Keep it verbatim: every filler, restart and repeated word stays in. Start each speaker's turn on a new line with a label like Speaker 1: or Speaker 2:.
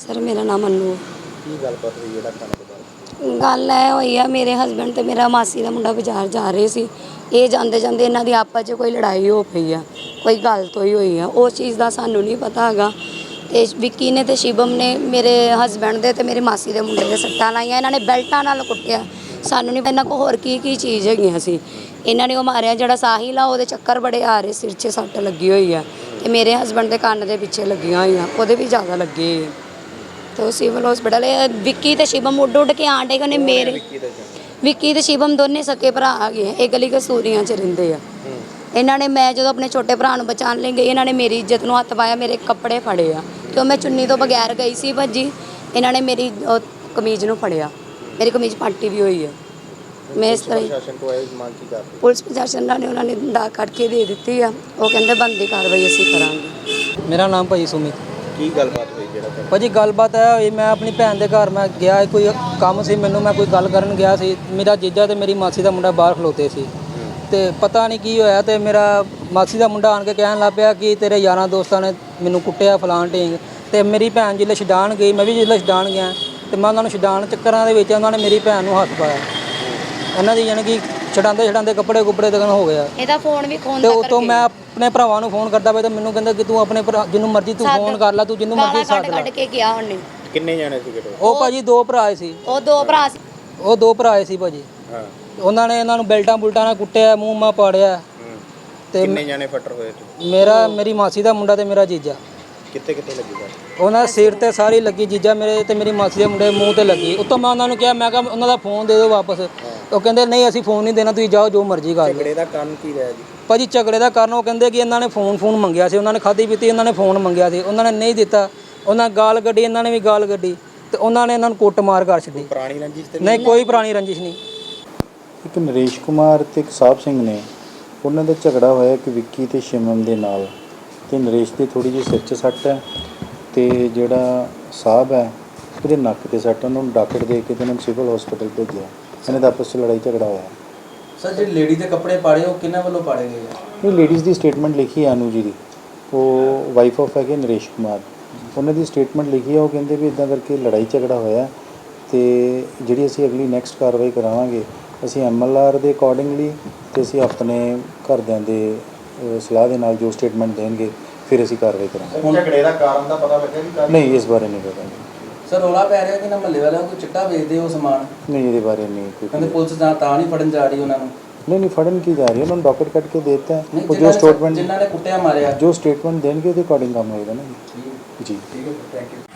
Speaker 1: Sir मेरा नाम अनु
Speaker 2: ਕੀ ਗੱਲਬਾਤ ਹੋਈ ਜਿਹੜਾ ਖਾਣੇ ਤੋਂ ਬਾਅਦ?
Speaker 1: ਗੱਲ ਇਹ ਹੋਈ ਆ, ਮੇਰੇ ਹਸਬੈਂਡ ਤੇ ਮੇਰਾ ਮਾਸੀ ਦਾ ਮੁੰਡਾ ਬਾਜ਼ਾਰ ਜਾ ਰਹੇ ਸੀ। ਇਹ ਜਾਂਦੇ ਜਾਂਦੇ ਇਹਨਾਂ ਦੀ ਆਪਸ 'ਚ ਕੋਈ ਲੜਾਈ ਹੋ ਪਈ ਆ, ਕੋਈ ਗੱਲ ਤੋਂ ਹੀ ਹੋਈ ਆ। ਉਸ ਚੀਜ਼ ਦਾ ਸਾਨੂੰ ਨਹੀਂ ਪਤਾ ਹੈਗਾ। ਤੇ ਵਿੱਕੀ ਨੇ ਤੇ ਸ਼ਿਵਮ ਨੇ ਮੇਰੇ ਹਸਬੈਂਡ ਦੇ ਤੇ ਮੇਰੇ ਮਾਸੀ ਦੇ ਮੁੰਡੇ ਦੇ ਸੱਟਾਂ ਲਾਈਆਂ। ਇਹਨਾਂ ਨੇ ਬੈਲਟਾਂ ਨਾਲ ਕੁੱਟਿਆ। ਸਾਨੂੰ ਨਹੀਂ ਇਹਨਾਂ ਕੋਲ ਹੋਰ ਕੀ ਕੀ ਚੀਜ਼ ਹੈਗੀਆਂ ਸੀ। ਇਹਨਾਂ ਨੇ ਉਹ ਮਾਰਿਆ ਜਿਹੜਾ ਸਾਹਿਲ ਆ, ਉਹਦੇ ਚੱਕਰ ਬੜੇ ਆ ਰਹੇ, ਸਿਰ 'ਚ ਸੱਟ ਲੱਗੀ ਹੋਈ ਆ। ਤੇ ਮੇਰੇ ਹਸਬੈਂਡ ਦੇ ਕੰਨ ਦੇ ਪਿੱਛੇ ਲੱਗੀਆਂ ਹੋਈਆਂ, ਉਹਦੇ ਵੀ ਜ਼ਿਆਦਾ ਲੱਗੇ। तो सिविल हॉस्पिटल विक्की ते शिवम उड उड के आंडे कने मेरे विक्की ते शिवम दोने सके भरा आ गए। ये गली कसूरियां च रहिंदे आ। इन्हां ने मैं जो अपने छोटे भरा नूं बचाने लई गई, इन्हां ने मेरी इज्जत नूं हत्थ पाया, मेरे कपड़े फड़े आ क्यों मैं चुन्नी तो बगैर गई सी भज्जी। इन्हां ने मेरी कमीज नूं फड़िया, मेरी कमीज पाटी भी हुई है। मैं इस तरह पुलिस प्रशासन ने उन्होंने दा कट के दे दी है। वो कहते बनती कार्रवाई असीं करांगे।
Speaker 3: मेरा नाम भाई सुमित।
Speaker 2: ਕੀ ਗੱਲਬਾਤ ਹੋਈ ਜਿਹੜਾ
Speaker 3: ਭਾਜੀ ਗੱਲਬਾਤ ਇਹ ਹੋਈ, ਮੈਂ ਆਪਣੀ ਭੈਣ ਦੇ ਘਰ ਮੈਂ ਗਿਆ, ਕੋਈ ਕੰਮ ਸੀ ਮੈਨੂੰ, ਮੈਂ ਕੋਈ ਗੱਲ ਕਰਨ ਗਿਆ ਸੀ। ਮੇਰਾ ਜੀਜਾ ਤੇ ਮੇਰੀ ਮਾਸੀ ਦਾ ਮੁੰਡਾ ਬਾਹਰ ਖਲੋਤੇ ਸੀ ਤੇ ਪਤਾ ਨਹੀਂ ਕੀ ਹੋਇਆ ਤੇ ਮੇਰਾ ਮਾਸੀ ਦਾ ਮੁੰਡਾ ਆਣ ਕੇ ਕਹਿਣ ਲੱਗ ਪਿਆ ਕਿ ਤੇਰੇ ਯਾਰਾਂ ਦੋਸਤਾਂ ਨੇ ਮੈਨੂੰ ਕੁੱਟਿਆ ਫਲਾਣ ਢੀਂਗ। ਤੇ ਮੇਰੀ ਭੈਣ ਜਿੱਲੇ ਛਡਾਣ ਗਈ, ਮੈਂ ਵੀ ਜਿੱਲੇ ਛਡਾਣ ਗਿਆ ਤੇ ਮੈਂ ਉਹਨਾਂ ਨੂੰ ਛਡਾਣ ਚੱਕਰਾਂ ਦੇ ਵਿੱਚ ਉਹਨਾਂ ਨੇ ਮੇਰੀ ਭੈਣ ਨੂੰ ਹੱਥ ਪਾਇਆ। ਇਹਨਾਂ ਦੀ ਯਾਨੀ ਕਿ ਛਡਾਉਂਦੇ ਛਡਾਉਂਦੇ ਕੱਪੜੇ ਕੁੱਪੜੇ ਤੱਕ ਹੋ ਗਿਆ।
Speaker 1: ਇਹਦਾ ਫੋਨ ਵੀ ਖੋਣ
Speaker 3: ਤੇ ਉਤੋਂ ਮੈਂ ਆਪਣੇ ਭਰਾਵਾਂ ਨੂੰ ਫੋਨ ਕਰਦਾ ਪਿਆ ਤੇ ਮੈਨੂੰ ਕਹਿੰਦਾ ਕਿ ਤੂੰ ਆਪਣੇ ਭਰਾ ਜਿਹਨੂੰ ਮਰਜ਼ੀ ਤੂੰ ਫੋਨ ਕਰ ਲੈ, ਤੂੰ ਜਿਹਨੂੰ ਮਰਜ਼ੀ ਸੱਦ ਲੈ।
Speaker 1: ਕੱਢ ਕੇ ਗਿਆ ਉਹਨੇ।
Speaker 2: ਕਿੰਨੇ ਜਾਣੇ ਸੀਗੇ?
Speaker 3: ਉਹ ਭਾਜੀ ਦੋ ਭਰਾ ਸੀ।
Speaker 1: ਉਹ ਦੋ ਭਰਾ ਸੀ।
Speaker 3: ਉਹ ਦੋ ਭਰਾ ਸੀ ਭਾਜੀ।
Speaker 2: ਹਾਂ,
Speaker 3: ਉਹਨਾਂ ਨੇ ਇਹਨਾਂ ਨੂੰ ਬੈਲਟਾਂ ਬੁਲਟਾਂ ਨਾਲ ਕੁੱਟਿਆ, ਮੂੰਹ ਮਾ ਪਾੜਿਆ।
Speaker 2: ਤੇ ਕਿੰਨੇ ਜਾਣੇ ਫੱਟਰ ਹੋਏ ਤੁਸੀਂ?
Speaker 3: ਮੇਰਾ ਮੇਰੀ ਮਾਸੀ ਦਾ ਮੁੰਡਾ ਤੇ ਮੇਰਾ ਜੀਜਾ।
Speaker 2: ਕਿੱਥੇ ਕਿੱਥੇ ਲੱਗੀ ਗੱਲ?
Speaker 3: ਉਹਨਾਂ ਸਿਰ ਤੇ ਸਾਰੀ ਲੱਗੀ, ਜੀਜਾ ਮੇਰੇ ਤੇ ਮੇਰੀ ਮਾਸੀ ਦੇ ਮੁੰਡੇ ਮੂੰਹ ਤੇ ਲੱਗੀ। ਉੱਤੋਂ ਮੈਂ ਉਹਨਾਂ ਨੂੰ ਕਿਹਾ, ਮੈਂ ਕਿਹਾ ਉਹਨਾਂ ਦਾ ਫੋਨ ਦੇ ਦਿਓ ਵਾਪਸ। ਉਹ ਕਹਿੰਦੇ ਨਹੀਂ ਅਸੀਂ ਫੋਨ ਨਹੀਂ ਦੇਣਾ, ਤੁਸੀਂ ਜਾਓ ਜੋ ਮਰਜ਼ੀ ਕਰ ਲਓ।
Speaker 2: ਝਗੜੇ ਦਾ ਕਾਰਨ ਕੀ ਰਿਹਾ ਜੀ?
Speaker 3: ਭਾਜੀ ਝਗੜੇ ਦਾ ਕਾਰਨ ਉਹ ਕਹਿੰਦੇ ਕਿ ਇਹਨਾਂ ਨੇ ਫੋਨ ਫੋਨ ਮੰਗਿਆ ਸੀ, ਉਹਨਾਂ ਨੇ ਖਾਧੀ ਪੀਤੀ, ਇਹਨਾਂ ਨੇ ਫੋਨ ਮੰਗਿਆ ਸੀ, ਉਹਨਾਂ ਨੇ ਨਹੀਂ ਦਿੱਤਾ। ਉਹਨਾਂ ਗਾਲ ਕੱਢੀ, ਇਹਨਾਂ ਨੇ ਵੀ ਗਾਲ ਕੱਢੀ ਤੇ ਉਹਨਾਂ ਨੇ ਇਹਨਾਂ ਨੂੰ ਕੁੱਟ ਮਾਰ ਕਰ ਛੱਡੀ।
Speaker 2: ਪੁਰਾਣੀ ਰੰਜਿਸ਼ ਤੇ
Speaker 3: ਨਹੀਂ, ਕੋਈ ਪੁਰਾਣੀ ਰੰਜਿਸ਼ ਨਹੀਂ।
Speaker 4: ਇੱਕ ਨਰੇਸ਼ ਕੁਮਾਰ ਤੇ ਇੱਕ ਸਾਹਿਬ ਸਿੰਘ ਨੇ, ਉਹਨਾਂ ਦਾ ਝਗੜਾ ਹੋਇਆ ਕਿ ਵਿੱਕੀ ਤੇ ਸ਼ਿਵਮ ਦੇ ਨਾਲ। ਤੇ ਨਰੇਸ਼ ਦੀ ਥੋੜੀ ਜਿਹੀ ਸਿਰ 'ਚ ਸੱਟ ਹੈ ਤੇ ਜਿਹੜਾ ਸਾਹਿਬ ਹੈ ਉਹਦੇ ਨੱਕ ਤੇ ਸੱਟ। ਉਹਨਾਂ ਨੂੰ ਡਾਕਟਰ ਦੇ ਕੇ ਤੇ ਉਹਨਾਂ ਨੂੰ ਸਿਵਲ ਹਸਪੀਟਲ ਭੇਜਿਆ। ਇਹਨਾਂ ਦਾ ਆਪਸ 'ਚ ਲੜਾਈ ਝਗੜਾ ਹੋਇਆ।
Speaker 3: ਸਰ ਜਿਹੜੀ ਲੇਡੀ ਦੇ ਕੱਪੜੇ ਪਾੜੇ ਉਹ ਕਿਹਨਾਂ ਵੱਲੋਂ ਪਾੜੇ ਗਏ ਆ?
Speaker 4: ਇਹ ਲੇਡੀਜ਼ ਦੀ ਸਟੇਟਮੈਂਟ ਲਿਖੀ ਹੈ, ਅਨੂ ਜੀ ਦੀ, ਉਹ ਵਾਈਫ ਆਫ ਹੈਗੇ ਨਰੇਸ਼ ਕੁਮਾਰ। ਉਹਨਾਂ ਦੀ ਸਟੇਟਮੈਂਟ ਲਿਖੀ ਹੈ। ਉਹ ਕਹਿੰਦੇ ਵੀ ਇੱਦਾਂ ਕਰਕੇ ਲੜਾਈ ਝਗੜਾ ਹੋਇਆ ਤੇ ਜਿਹੜੀ ਅਸੀਂ ਅਗਲੀ ਨੈਕਸਟ ਕਾਰਵਾਈ ਕਰਾਵਾਂਗੇ ਅਸੀਂ ਐਮ ਐਲ ਆਰ ਦੇ ਅਕੋਰਡਿੰਗਲੀ ਤੇ ਅਸੀਂ ਆਪਣੇ ਘਰਦਿਆਂ ਦੇ ਸਲਾਹ ਦੇ ਨਾਲ ਜੋ ਸਟੇਟਮੈਂਟ ਦੇਣਗੇ ਫਿਰ ਅਸੀਂ ਕਾਰਵਾਈ ਕਰਾਂਗੇ।
Speaker 2: ਹੁਣ ਝਗੜੇ ਦਾ ਕਾਰਨ ਦਾ ਪਤਾ ਲੱਗਿਆ ਜੀ?
Speaker 4: ਨਹੀਂ, ਇਸ ਬਾਰੇ ਨਹੀਂ ਪਤਾ।
Speaker 3: ਸਰ ਰੌਲਾ ਪੈ ਰਿਹਾ ਕਿ ਨਾ ਮਹੱਲੇ ਵਾਲਿਆਂ ਕੋਈ ਚਿੱਟਾ ਵੇਚਦੇ ਉਹ ਸਮਾਨ?
Speaker 4: ਨਹੀਂ, ਇਹਦੇ ਬਾਰੇ ਨਹੀਂ ਕੋਈ।
Speaker 3: ਕਹਿੰਦੇ ਪੁਲਿਸ ਤਾਂ ਤਾਂ ਨਹੀਂ ਫੜਨ ਜਾ ਰਹੀ ਉਹਨਾਂ ਨੂੰ।
Speaker 4: ਨਹੀਂ ਨਹੀਂ ਫੜਨ ਕੀ ਜਾ ਰਹੀ ਹੈ, ਉਹਨਾਂ ਨੂੰ ਡਾਕਟਰ ਕੱਟ ਕੇ ਦੇ ਦਿੱਤਾ ਹੈ।
Speaker 3: ਨਹੀਂ,
Speaker 4: ਉਹ ਜੋ
Speaker 3: ਜਿਨ੍ਹਾਂ ਨੇ-
Speaker 4: ਸਟੇਟਮੈਂਟ
Speaker 3: ਜਿਨ੍ਹਾਂ ਨੇ ਕੁੱਟਿਆ ਮਾਰਿਆ
Speaker 4: ਜੋ ਸਟੇਟਮੈਂਟ ਦੇਣਗੇ ਉਹਦੇ ਅਕੋਰਡਿੰਗ ਕੰਮ ਹੋਏਗਾ ਨਾ ਜੀ। ਜੀ
Speaker 3: ਠੀਕ ਹੈ, ਥੈਂਕ ਯੂ।